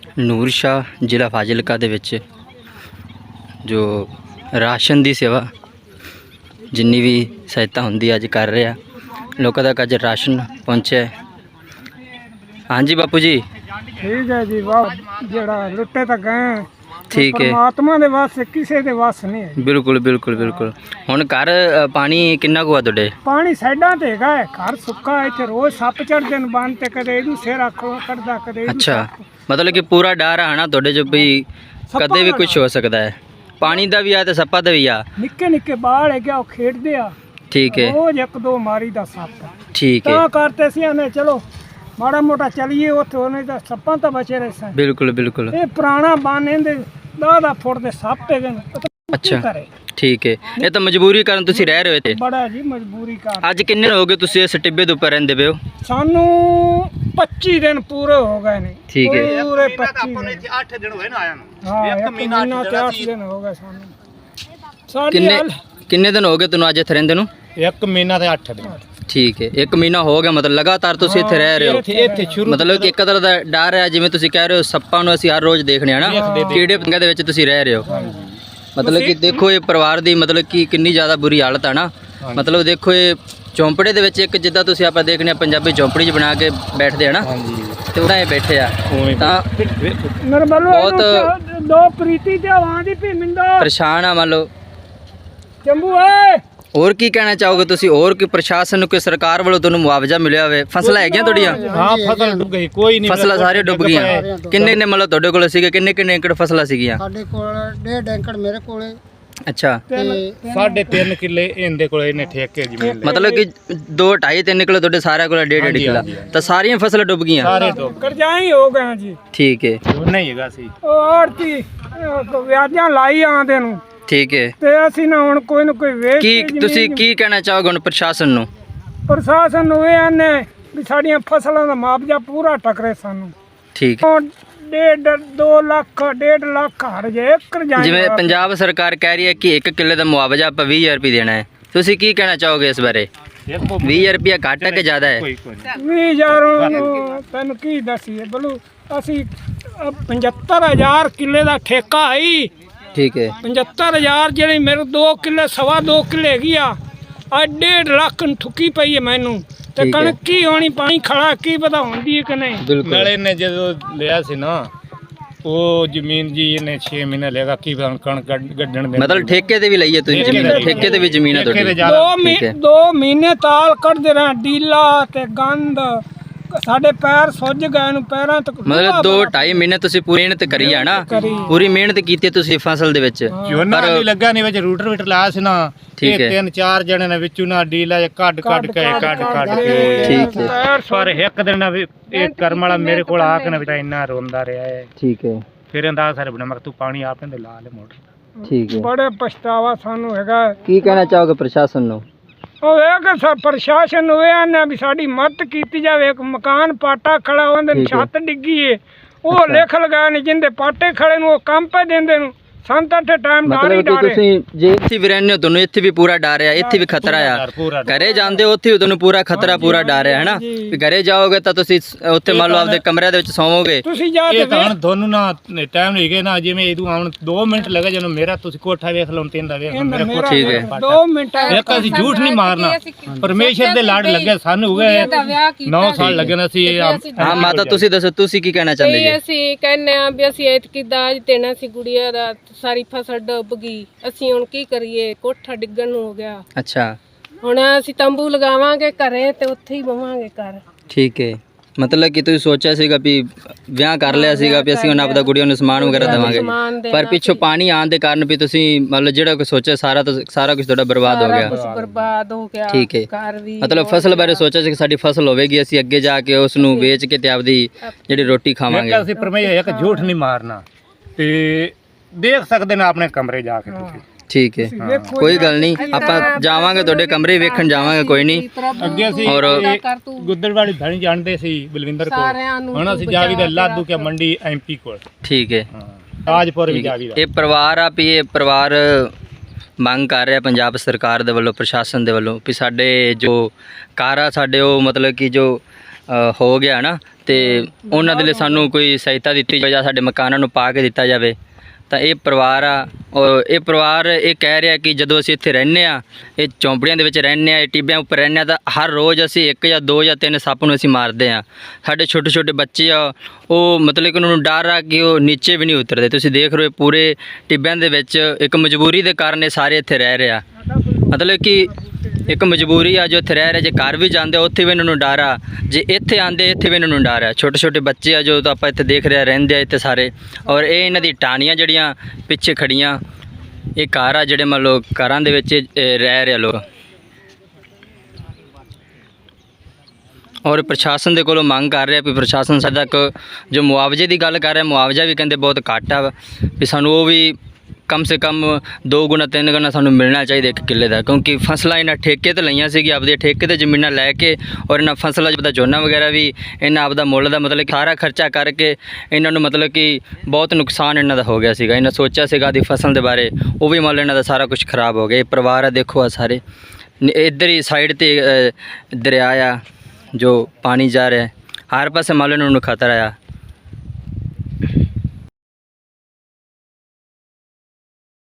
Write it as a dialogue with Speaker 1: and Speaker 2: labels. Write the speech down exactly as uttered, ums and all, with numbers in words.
Speaker 1: ਨੂਰ ਸ਼ਾਹ ਜ਼ਿਲ੍ਹਾ ਫਾਜ਼ਿਲਕਾ ਦੇ ਵਿੱਚ ਜੋ ਰਾਸ਼ਨ ਦੀ ਸੇਵਾ ਜਿੰਨੀ ਵੀ ਸਹਾਇਤਾ ਹੁੰਦੀ ਅੱਜ ਕਰ ਰਿਹਾ ਲੋਕਾਂ ਤੱਕ ਅੱਜ ਰਾਸ਼ਨ ਪਹੁੰਚਿਆ। ਹਾਂਜੀ ਬਾਪੂ ਜੀ
Speaker 2: ठीक है जी वाह जड़ा लुटे तक गए
Speaker 1: ठीक है
Speaker 2: परमात्मा दे वास किसी दे वास नहीं है।
Speaker 1: ਬਿਲਕੁਲ ਬਿਲਕੁਲ ਬਿਲਕੁਲ। ਹੁਣ ਘਰ ਅ, ਪਾਣੀ ਕਿੰਨਾ ਕੁ ਆ ਤੁਹਾਡੇ?
Speaker 2: पानी साइडा ते हैगा है घर सुक्का है इत्थे रोज सप चढ़दे न बन ते कदे इदू सिर आखो कटदा कदे इदू
Speaker 1: ਅੱਛਾ ਮਤਲਬ ਕਿ ਪੂਰਾ ਡਰ ਆ ਨਾ ਤੁਹਾਡੇ ਜੋ ਵੀ ਕਦੇ ਵੀ ਕੁਝ ਹੋ ਸਕਦਾ ਹੈ। ਪਾਣੀ ਦਾ ਵੀ ਆ ਤੇ ਸੱਪਾਂ ਦਾ ਵੀ ਆ।
Speaker 2: निक्के निक्के बाल है क्या ਉਹ ਖੇਡਦੇ ਆ
Speaker 1: ਠੀਕ ਹੈ
Speaker 2: रोज एक दो मारी दा सप
Speaker 1: ਠੀਕ ਹੈ
Speaker 2: ਤਾਂ करते सी ने चलो माड़ा मोटा चलिए ਉੱਥੇ ਉਹਨੇ ਤਾਂ ਸੱਪਾਂ ਤਾਂ ਬਚੇ ਰਹੇ ਸਨ।
Speaker 1: ਬਿਲਕੁਲ ਬਿਲकुल
Speaker 2: ਇਹ ਪੁਰਾਣਾ ਬਨ ਇਹਦੇ ਦਾਦਾ ਫੁੱਟ ਦੇ ਸੱਪ ਹੈਗੇ ਨੇ
Speaker 1: ਅੱਛਾ ਠੀਕ ਹੈ। ਇਹ ਤਾਂ ਮਜਬੂਰੀ ਕਾਰਨ ਤੁਸੀਂ ਰਹਿ ਰਹੇ ਹੋ ਇੱਥੇ?
Speaker 2: ਬੜਾ ਜੀ ਮਜਬੂਰੀ ਕਾਰਨ।
Speaker 1: ਅੱਜ ਕਿੰਨੇ ਦਿਨ ਹੋ ਗਏ ਤੁਸੀਂ ਇਸ ਟਿੱਬੇ ਦੇ ਉੱਪਰ ਰਹਿੰਦੇ ਪਏ ਹੋ?
Speaker 2: ਸਾਨੂੰ ਪੱਚੀ ਦਿਨ ਪੂਰੇ ਹੋ ਗਏ ਨੇ।
Speaker 1: ਠੀਕ ਹੈ
Speaker 2: ਪੂਰੇ ਪੱਚੀ ਦਿਨ
Speaker 3: ਅੱਠ ਦਿਨ ਹੋਏ ਨਾ ਆਇਆ ਨੂੰ।
Speaker 2: ਹਾਂ ਇੱਕ ਮਹੀਨਾ ਤੇ ਅੱਠ ਦਿਨ ਹੋ ਗਏ ਸਾਨੂੰ। ਸਾਡੀ
Speaker 1: ਕਿੰਨੇ
Speaker 2: ਹਾਲ
Speaker 1: ਕਿੰਨੇ ਦਿਨ ਹੋ ਗਏ ਤੁਹਾਨੂੰ ਅੱਜ ਇੱਥੇ ਰਹਿੰਦੇ ਨੂੰ?
Speaker 3: ਇੱਕ ਮਹੀਨਾ ਤੇ ਅੱਠ ਦਿਨ।
Speaker 1: ਠੀਕ ਹੈ ਇੱਕ ਮਹੀਨਾ ਹੋ ਗਿਆ ਮਤਲਬ ਲਗਾਤਾਰ ਤੁਸੀਂ ਇੱਥੇ ਰਹਿ ਰਹੇ ਹੋ।
Speaker 3: ਇੱਥੇ ਸ਼ੁਰੂ
Speaker 1: ਮਤਲਬ ਕਿ ਇੱਕ ਤਰ੍ਹਾਂ ਦਾ ਡਰ ਹੈ ਜਿਵੇਂ ਤੁਸੀਂ ਕਹਿ ਰਹੇ ਹੋ ਸੱਪਾਂ ਨੂੰ ਅਸੀਂ ਹਰ ਰੋਜ਼ ਦੇਖਣੇ ਆ ਨਾ ਕੀੜੇ ਪੰਗੇ ਦੇ ਵਿੱਚ ਤੁਸੀਂ ਰਹਿ ਰਹੇ ਹੋ। ਮਤਲਬ ਕਿ ਦੇਖੋ ਇਹ ਪਰਿਵਾਰ ਦੀ ਮਤਲਬ ਕਿ ਕਿੰਨੀ ਜ਼ਿਆਦਾ ਬੁਰੀ ਹਾਲਤ ਆ ਨਾ। ਮਤਲਬ ਦੇਖੋ ਇਹ ਚੌਂਪੜੇ ਦੇ ਵਿੱਚ ਇੱਕ ਜਿੱਦਾਂ ਤੁਸੀਂ ਆਪਾਂ ਦੇਖਨੇ ਆ ਪੰਜਾਬੀ ਚੌਂਪੜੀ 'ਚ ਬਣਾ ਕੇ ਬੈਠਦੇ ਆ ਨਾ ਤੇ ਉਹਨਾਂ ਇਹ ਬੈਠੇ ਆ ਤਾਂ
Speaker 2: ਨਰਮਲੋ
Speaker 1: ਬਹੁਤ
Speaker 2: ਦੋ ਪ੍ਰੀਤੀ ਤੇ ਆਵਾਂ ਦੀ ਭੀ ਮਿੰਦਾ
Speaker 1: ਪਰੇਸ਼ਾਨ ਆ ਮੰਨ ਲਓ।
Speaker 2: ਚੰਬੂ ਏ
Speaker 1: ਹੋਰ ਕੀ ਕਹਿਣਾ ਚਾਹੋਗੇ ਤੁਸੀਂ? ਹੋਰ ਕੋਈ ਪ੍ਰਸ਼ਾਸਨ ਨੂੰ ਕੋਈ ਸਰਕਾਰ ਵੱਲੋਂ ਤੁਹਾਨੂੰ ਮੁਆਵਜ਼ਾ ਮਿਲਿਆ ਹੋਵੇ? ਫਸਲਾਂ ਹੈਗੀਆਂ ਤੁਹਾਡੀਆਂ?
Speaker 3: ਹਾਂ ਫਸਲ ਡੁੱਬ ਗਈ ਕੋਈ ਨਹੀਂ।
Speaker 1: ਫਸਲਾਂ ਸਾਰੀਆਂ ਡੁੱਬ ਗਈਆਂ। ਕਿੰਨੇ ਕਿੰਨੇ ਮਤਲਬ ਤੁਹਾਡੇ ਕੋਲ ਸੀਗੇ ਕਿੰਨੇ ਕਿੰਨੇ ਏਕੜ ਫਸਲਾਂ ਸੀਗੀਆਂ?
Speaker 2: ਸਾਡੇ ਕੋਲ ਡੇਢ ਏਕੜ ਮੇਰੇ ਕੋਲੇ
Speaker 1: ਅੱਛਾ
Speaker 3: ਸਾਢੇ ਤਿੰਨ ਕਿੱਲੇ ਇਹਦੇ ਕੋਲ ਇਹਨੇ ਠੇਕੇ ਜ਼ਮੀਨ ਲਈ।
Speaker 1: ਮਤਲਬ ਕਿ ਦੋ ਢਾਈ ਤਿੰਨ ਕਿਲੋ ਤੁਹਾਡੇ ਸਾਰਿਆਂ ਕੋਲ ਡੇਢ ਡੇਢ ਕਿੱਲਾ ਤਾਂ ਸਾਰੀਆਂ ਫਸਲਾਂ ਡੁੱਬ ਗਈਆਂ?
Speaker 3: ਸਾਰੇ ਡੁੱਬ
Speaker 2: ਕਰਜ਼ਾਈ ਹੋ ਗਏ ਜੀ।
Speaker 1: ਠੀਕ ਹੈ
Speaker 3: ਨਹੀਂ ਹੈਗਾ ਸੀ
Speaker 2: ਉਹ ਆੜਤੀ ਵਿਆਜਾਂ ਲਾਈ ਆਂਦੇ ਨੂੰ
Speaker 1: ਠੀਕ ਹੈ।
Speaker 2: ਤੇ ਅਸੀਂ ਨਾ ਹੁਣ ਕੋਈ ਨਾ ਕੋਈ ਵੇਚ
Speaker 1: ਕੀ ਤੁਸੀਂ ਕੀ ਕਹਿਣਾ ਚਾਹੋਗੇ ਹੁਣ ਪ੍ਰਸ਼ਾਸਨ ਨੂੰ?
Speaker 2: ਪ੍ਰਸ਼ਾਸਨ ਨੂੰ ਇਹ ਆਨੇ ਵੀ ਸਾਡੀਆਂ ਫਸਲਾਂ ਦਾ ਮੁਆਵਜ਼ਾ ਪੂਰਾ ਟਕਰੇ ਸਾਨੂੰ।
Speaker 1: ਠੀਕ
Speaker 2: ਹੁਣ ਡੇਢ ਦੋ ਲੱਖ ਡੇਢ ਲੱਖ ਹਰ ਜੇ ਏਕੜ ਜਾਏ।
Speaker 1: ਜਿਵੇਂ ਪੰਜਾਬ ਸਰਕਾਰ ਕਹਿ ਰਹੀ ਹੈ ਕਿ ਇੱਕ ਕਿੱਲੇ ਦਾ ਮੁਆਵਜ਼ਾ ਆਪਾਂ ਵੀਹ ਹਜ਼ਾਰ ਰੁਪਏ ਦੇਣਾ ਹੈ ਤੁਸੀਂ ਕੀ ਕਹਿਣਾ ਚਾਹੋਗੇ ਇਸ ਬਾਰੇ? ਵੀਹ ਹਜ਼ਾਰ ਰੁਪਏ ਘੱਟ ਹੈ ਕਿ ਜ਼ਿਆਦਾ ਹੈ?
Speaker 2: ਵੀਹ ਹਜ਼ਾਰ ਨੂੰ ਤੈਨੂੰ ਕੀ ਦੱਸੀਏ ਬਲੂ ਅਸੀਂ ਪਝੱਤਰ ਹਜ਼ਾਰ ਕਿੱਲੇ ਦਾ ਠੇਕਾ ਆਈ।
Speaker 1: ਠੀਕ ਹੈ
Speaker 2: ਪਝੱਤਰ ਹਜ਼ਾਰ ਜਿਹੜੀ ਮੇਰੇ ਦੋ ਕਿੱਲੇ ਸਵਾ ਦੋ ਕਿੱਲੇ ਹੈਗੀ ਆ ਆ ਡੇਢ ਲੱਖ ਨੂੰ ਠੁੱਕੀ ਪਈ ਹੈ ਮੈਨੂੰ ਤੇ
Speaker 1: ਠੀਕ ਹੈ।
Speaker 2: ਕਣਕ ਕੀ ਹੋਣੀ ਪਾਣੀ ਖੜਾ ਕੀ ਪਤਾ ਹੁੰਦੀ ਹੈ ਕਿ ਨਹੀਂ।
Speaker 1: ਬਿਲਕੁਲ
Speaker 3: ਨਾਲੇ ਨੇ ਜਦੋਂ ਲਿਆ ਸੀ ਨਾ ਉਹ ਜ਼ਮੀਨ ਜੀ ਇਹਨੇ ਛੇ ਮਹੀਨੇ ਲੇਗਾ ਕੀ ਪਤਾ ਹੁਣ ਕਣਕ ਕੱਢ- ਕੱਢਣ ਦੇ
Speaker 1: ਮਤਲਬ ਠੇਕੇ ਤੇ ਵੀ ਲਈਏ ਤੁਸੀਂ ਜ਼ਮੀਨ? ਠੇਕੇ ਤੇ ਵੀ ਜ਼ਮੀਨ ਹੈ ਤੁਹਾਡੀ?
Speaker 2: ਦੋ ਮਹੀ-
Speaker 1: ਠੀਕ ਹੈ।
Speaker 2: ਦੋ ਮਹੀਨੇ ਤਾਲ ਕੱਢਦੇ ਰਹੇ ਡੀਲਾ ਤੇ ਗੰਦ ਸਾਡੇ ਪੈਰ ਸੁੱਜ ਗਏ ਨੂੰ ਪੈਰਾਂ ਤੱਕ
Speaker 1: ਮਤਲਬ ਦੋ ਢਾਈ ਮਹੀਨੇ ਤੁਸੀਂ ਪੂਰੀ ਮਿਹਨਤ ਕਰੀ ਆ ਨਾ ਪੂਰੀ ਮਿਹਨਤ ਕੀਤੀ ਤੁਸੀਂ ਫਸਲ ਦੇ ਵਿੱਚ
Speaker 3: ਝੋਨਾ ਨਹੀਂ ਲੱਗਾ ਨਹੀਂ ਵਿੱਚ ਰੂਟਰ ਵੀਟਰ ਲਾਇਆ ਸੀ ਨਾ
Speaker 1: ਠੀਕ
Speaker 3: ਇਹ
Speaker 1: ਹੈ।
Speaker 3: ਤਿੰਨ ਚਾਰ ਜਣੇ ਨੇ ਵਿੱਚੋਂ ਨਾ ਡੀਲਾ ਜਿਹਾ ਕੱਢ ਕੱਢ ਕੇ ਕੱਢ ਕੱਢ ਕੇ
Speaker 1: ਠੀਕ ਹੈ
Speaker 2: ਪੈਰ
Speaker 3: ਪਰ ਇੱਕ ਦਿਨ ਵੀ ਇਹ ਕਰਮ ਵਾਲਾ ਮੇਰੇ ਕੋਲ ਆ ਕੇ ਨਾ ਵਿਚਾਰਾ ਇੰਨਾ ਰੋਂਦਾ ਰਿਹਾ ਹੈ।
Speaker 1: ਠੀਕ ਹੈ
Speaker 3: ਫਿਰ ਅੰਦਾਜ਼ ਸਾਰੇ ਬਣਾ ਮੈਂ ਕਿਹਾ ਤੂੰ ਪਾਣੀ ਆਪ ਨੇ ਲਾ ਲੈ ਮੋਟਰ।
Speaker 1: ਠੀਕ ਹੈ।
Speaker 2: ਬੜੇ ਪਛਤਾਵਾ ਸਾਨੂੰ ਹੈਗਾ।
Speaker 1: ਕੀ ਕਹਿਣਾ ਚਾਹੋਗੇ ਪ੍ਰਸ਼ਾਸਨ ਨੂੰ?
Speaker 2: ਉਹ ਇਹ ਕਿ ਸਾ ਪ੍ਰਸ਼ਾਸਨ ਨੂੰ ਇਹ ਆਨੇ ਵੀ ਸਾਡੀ ਮਦਦ ਕੀਤੀ ਜਾਵੇ। ਇੱਕ ਮਕਾਨ ਪਾਟਾ ਖੜਾ ਉਹਦੇ
Speaker 1: ਠੀਕ ਹੈ।
Speaker 2: ਛੱਤ ਡਿੱਗੀ ਏ ਉਹ ਲਿਖ ਲਗਾਏ ਨੇ ਜਿੰਦੇ ਪਾਟੇ ਖੜੇ ਨੂੰ ਉਹ ਕੰਮ ਪੈ ਦਿੰਦੇ ਨੂੰ ਸੰਤ ਅੱਠ ਟਾਈਮ ਡਾਰੀ
Speaker 1: ਮਤਲਬ ਕਿ
Speaker 2: ਡਾਰੇ।
Speaker 1: ਤੁਸੀਂ ਜੇ ਇੱਥੇ ਵੀ ਰਹਿੰਦੇ ਹੋ ਤੁਹਾਨੂੰ ਇੱਥੇ ਵੀ ਪੂਰਾ ਡਰ ਆ ਇੱਥੇ ਵੀ ਖਤਰਾ ਆ।
Speaker 3: ਪੂਰਾ
Speaker 1: ਘਰੇ ਜਾਂਦੇ ਹੋ ਉੱਥੇ ਵੀ ਤੁਹਾਨੂੰ ਪੂਰਾ ਖਤਰਾ ਪੂਰਾ ਡਰ ਹੈ ਹੈਨਾ ਵੀ ਘਰੇ ਜਾਓਗੇ ਤਾਂ ਤੁਸੀਂ ਉੱਥੇ ਮੰਨ ਲਓ ਆਪਦੇ ਕਮਰਿਆਂ ਦੇ ਵਿੱਚ ਸੌਵੋਗੇ।
Speaker 2: ਤੁਸੀਂ ਜਾ
Speaker 3: ਇਹ
Speaker 2: ਕੇ
Speaker 3: ਤਾਂ ਹੁਣ ਤੁਹਾਨੂੰ ਨਾ ਟਾਈਮ ਨਹੀਂ ਗਏ ਨਾ ਜਿਵੇਂ ਇਹਨੂੰ ਆਉਣ ਦੋ ਮਿੰਟ ਲੱਗੇ ਜਦੋਂ ਮੇਰਾ ਤੁਸੀਂ ਕੋਠਾ ਵੇਖ ਲਓ ਤਿੰਨ ਦਾ ਵੇਖ ਲਓ ਮੇਰਾ ਕੋਠਾ
Speaker 1: ਠੀਕ ਹੈ।
Speaker 2: ਦੋ ਮਿੰਟ
Speaker 3: ਇੱਕ ਅਸੀਂ ਝੂਠ ਨਹੀਂ ਮਾਰਨਾ ਪਰਮੇਸ਼ਰ ਦੇ ਲਾੜ ਲੱਗੇ ਸਾਨੂੰ ਹੋ ਗਏ ਨੌ ਸਾਲ ਲੱਗੇ ਨੇ ਅਸੀਂ ਇਹ
Speaker 1: ਹਾਂ ਮਾਤਾ ਤੁਸੀਂ ਦੱਸੋ ਤੁਸੀਂ ਕੀ ਕਹਿਣਾ ਚਾਹੁੰਦੇ ਜੀ?
Speaker 4: ਅਸੀਂ ਕਹਿੰਨੇ ਆ ਵੀ ਅਸੀਂ ਐਤਕੀ ਦਾਜ ਦੇਣਾ ਸੀ ਗੁੜੀਆ ਦਾ ਸਾਰੀ ਫਸਲ ਡੁੱਬ ਗਈ ਅਸੀਂ ਹੁਣ ਕੀ ਕਰੀਏ ਕੋਠਾ ਡਿੱਗਣ ਨੂੰ ਹੋ ਗਿਆ।
Speaker 1: ਅੱਛਾ
Speaker 4: ਹੁਣ ਅਸੀਂ ਤੰਬੂ ਲਗਾਵਾਂਗੇ ਘਰੇ ਤੇ ਉੱਥੇ ਹੀ ਬਵਾਂਗੇ ਘਰ।
Speaker 1: ਠੀਕ ਹੈ ਮਤਲਬ ਕਿ ਤੁਸੀਂ ਸੋਚਿਆ ਸੀਗਾ ਵੀ ਵਿਆਹ ਕਰ ਲਿਆ ਸੀਗਾ ਵੀ ਅਸੀਂ ਹੁਣ ਆਪਦਾ ਗੁੜੀਆਂ ਨੂੰ ਸਮਾਨ ਵਗੈਰਾ ਦੇਵਾਂਗੇ ਪਰ ਪਿੱਛੋਂ ਪਾਣੀ ਆਉਣ ਦੇ ਕਾਰਨ ਵੀ ਤੁਸੀਂ ਮਤਲਬ ਜਿਹੜਾ ਕੋਈ ਸੋਚਿਆ ਸਾਰਾ ਤਾਂ ਸਾਰਾ ਕੁਝ ਤੁਹਾਡਾ ਬਰਬਾਦ ਹੋ ਗਿਆ।
Speaker 4: ਕੁਝ ਬਰਬਾਦ ਹੋ ਗਿਆ।
Speaker 1: ਠੀਕ ਹੈ
Speaker 4: ਘਰ ਵੀ
Speaker 1: ਮਤਲਬ ਫਸਲ ਬਾਰੇ ਸੋਚਿਆ ਸੀ ਕਿ ਸਾਡੀ ਫਸਲ ਹੋਵੇਗੀ ਅਸੀਂ ਅੱਗੇ ਜਾ ਕੇ ਉਸ ਨੂੰ ਵੇਚ ਕੇ ਤੇ ਆਪਦੀ ਜਿਹੜੀ ਰੋਟੀ ਖਾਵਾਂਗੇ।
Speaker 3: ਅਸੀਂ ਪਰਮੇਸ਼ਰ ਇੱਕ ਝੂਠ ਨਹੀਂ ਮਾਰਨਾ ਤੇ ਦੇਖ ਸਕਦੇ ਨੇ ਆਪਣੇ ਕਮਰੇ ਜਾ ਕੇ ਤੁਸੀਂ।
Speaker 1: ਠੀਕ ਹੈ ਕੋਈ ਗੱਲ ਨਹੀਂ ਆਪਾਂ ਜਾਵਾਂਗੇ ਤੁਹਾਡੇ ਕਮਰੇ ਵੇਖਣ ਜਾਵਾਂਗੇ ਕੋਈ ਨਹੀਂ।
Speaker 3: ਅੱਗੇ ਅਸੀਂ
Speaker 1: ਔਰ
Speaker 3: ਗੁੱਦਰ ਵਾਲੀ ਧਣੀ ਜਾਣਦੇ ਸੀ ਬਲਵਿੰਦਰ ਕੋਲ ਹੁਣ ਅਸੀਂ ਜਾਵੀਦਾ ਲਾਦੂ ਕੇ ਮੰਡੀ ਐਮਪੀ ਕੋਲ।
Speaker 1: ਠੀਕ ਹੈ
Speaker 3: ਤਾਜਪੁਰ ਵੀ ਜਾਵੀਦਾ।
Speaker 1: ਇਹ ਪਰਿਵਾਰ ਆ ਵੀ ਇਹ ਪਰਿਵਾਰ ਮੰਗ ਕਰ ਰਿਹਾ ਪੰਜਾਬ ਸਰਕਾਰ ਦੇ ਵੱਲੋਂ ਪ੍ਰਸ਼ਾਸਨ ਦੇ ਵੱਲੋਂ ਵੀ ਸਾਡੇ ਜੋ ਘਰ ਆ ਸਾਡੇ ਉਹ ਮਤਲਬ ਕਿ ਜੋ ਅ, ਹੋ ਗਿਆ ਨਾ, ਤੇ ਉਹਨਾਂ ਦੇ ਲਈ ਸਾਨੂੰ ਕੋਈ ਸਹਾਇਤਾ ਦਿੱਤੀ ਜਾਵੇ ਜਾਂ ਸਾਡੇ ਮਕਾਨਾਂ ਨੂੰ ਪਾ ਕੇ ਦਿੱਤਾ ਜਾਵੇ। ਤਾਂ ਇਹ ਪਰਿਵਾਰ ਆ, ਔਰ ਇਹ ਪਰਿਵਾਰ ਇਹ ਕਹਿ ਰਿਹਾ ਕਿ ਜਦੋਂ ਅਸੀਂ ਇੱਥੇ ਰਹਿੰਦੇ ਆ, ਇਹ ਚੌਂਪੜੀਆਂ ਦੇ ਵਿੱਚ ਰਹਿੰਦੇ ਆ, ਇਹ ਟਿੱਬਿਆਂ ਉੱਪਰ ਰਹਿੰਦੇ ਆ, ਤਾਂ ਹਰ ਰੋਜ਼ ਅਸੀਂ ਇੱਕ ਜਾਂ ਦੋ ਜਾਂ ਤਿੰਨ ਸੱਪ ਨੂੰ ਅਸੀਂ ਮਾਰਦੇ ਆ। ਸਾਡੇ ਛੋਟੇ ਛੋਟੇ ਬੱਚੇ ਆ, ਉਹ ਮਤਲਬ ਕਿ ਉਹਨਾਂ ਨੂੰ ਡਰ ਆ ਕਿ ਉਹ ਨੀਚੇ ਵੀ ਨਹੀਂ ਉਤਰਦੇ। ਤੁਸੀਂ ਦੇਖ ਰਹੇ ਹੋ ਪੂਰੇ ਟਿੱਬਿਆਂ ਦੇ ਵਿੱਚ ਇੱਕ ਮਜਬੂਰੀ ਦੇ ਕਾਰਨ ਇਹ ਸਾਰੇ ਇੱਥੇ ਰਹਿ ਰਹੇ ਆ। ਮਤਲਬ ਕਿ ਇੱਕ ਮਜਬੂਰੀ ਆ ਜੋ ਇੱਥੇ ਰਹਿ ਰਹੇ। ਜੇ ਘਰ ਵੀ ਜਾਂਦੇ ਉੱਥੇ ਵੀ ਇਹਨਾਂ ਨੂੰ ਡਰ ਆ, ਜੇ ਇੱਥੇ ਆਉਂਦੇ ਇੱਥੇ ਵੀ ਇਹਨਾਂ ਨੂੰ ਡਰ ਆ। ਛੋਟੇ ਛੋਟੇ ਬੱਚੇ ਆ ਜੋ ਤਾਂ ਆਪਾਂ ਇੱਥੇ ਦੇਖ ਰਹੇ ਰਹਿੰਦੇ ਆ ਇੱਥੇ ਸਾਰੇ। ਔਰ ਇਹ ਇਹਨਾਂ ਦੀ ਟਾਹਣੀਆਂ ਜਿਹੜੀਆਂ ਪਿੱਛੇ ਖੜੀਆਂ, ਇਹ ਘਰ ਆ ਜਿਹੜੇ ਮੰਨ ਲਓ ਘਰਾਂ ਦੇ ਵਿੱਚ ਇਹ ਰਹਿ ਰਹੇ ਲੋਕ। ਔਰ ਪ੍ਰਸ਼ਾਸਨ ਦੇ ਕੋਲੋਂ ਮੰਗ ਕਰ ਰਿਹਾ ਵੀ ਪ੍ਰਸ਼ਾਸਨ ਸਾਡਾ ਕ ਜੋ ਮੁਆਵਜ਼ੇ ਦੀ ਗੱਲ ਕਰ ਰਿਹਾ, ਮੁਆਵਜ਼ਾ ਵੀ ਕਹਿੰਦੇ ਬਹੁਤ ਘੱਟ ਆ, ਵੀ ਸਾਨੂੰ ਉਹ ਵੀ ਕਮ ਸੇ ਕਮ ਦੋ ਗੁਣਾ ਤਿੰਨ ਗੁਣਾ ਸਾਨੂੰ ਮਿਲਣਾ ਚਾਹੀਦਾ ਇੱਕ ਕਿੱਲੇ ਦਾ। ਕਿਉਂਕਿ ਫਸਲਾਂ ਇਹਨਾਂ ਠੇਕੇ ਤੇ ਲਈਆਂ ਸੀਗੀ, ਆਪਦੇ ਠੇਕੇ ਤੇ ਜ਼ਮੀਨਾਂ ਲੈ ਕੇ, ਔਰ ਇਹਨਾਂ ਫਸਲਾਂ ਜਿਹਦਾ ਝੋਨਾ ਵਗੈਰਾ ਵੀ ਇਹਨਾਂ ਆਪਦਾ ਮੁੱਲ ਦਾ ਮਤਲਬ ਕਿ ਸਾਰਾ ਖਰਚਾ ਕਰਕੇ ਇਹਨਾਂ ਨੂੰ ਮਤਲਬ ਕਿ ਬਹੁਤ ਨੁਕਸਾਨ ਇਹਨਾਂ ਦਾ ਹੋ ਗਿਆ ਸੀਗਾ। ਇਹਨਾਂ ਸੋਚਿਆ ਸੀਗਾ ਦੀ ਫਸਲ ਦੇ ਬਾਰੇ, ਉਹ ਵੀ ਮੰਨ ਲਓ ਇਹਨਾਂ ਦਾ ਸਾਰਾ ਕੁਝ ਖਰਾਬ ਹੋ ਗਿਆ। ਇਹ ਪਰਿਵਾਰ ਆ ਦੇਖੋ ਆ ਸਾਰੇ, ਇੱਧਰ ਹੀ ਸਾਈਡ ਤੇ ਅ, ਦਰਿਆ ਆ ਜੋ ਪਾਣੀ ਜਾ ਰਿਹਾ, ਹਰ ਪਾਸੇ ਮੰਨ ਲਓ ਇਹਨਾਂ ਨੂੰ ਖਤਰਾ ਆ।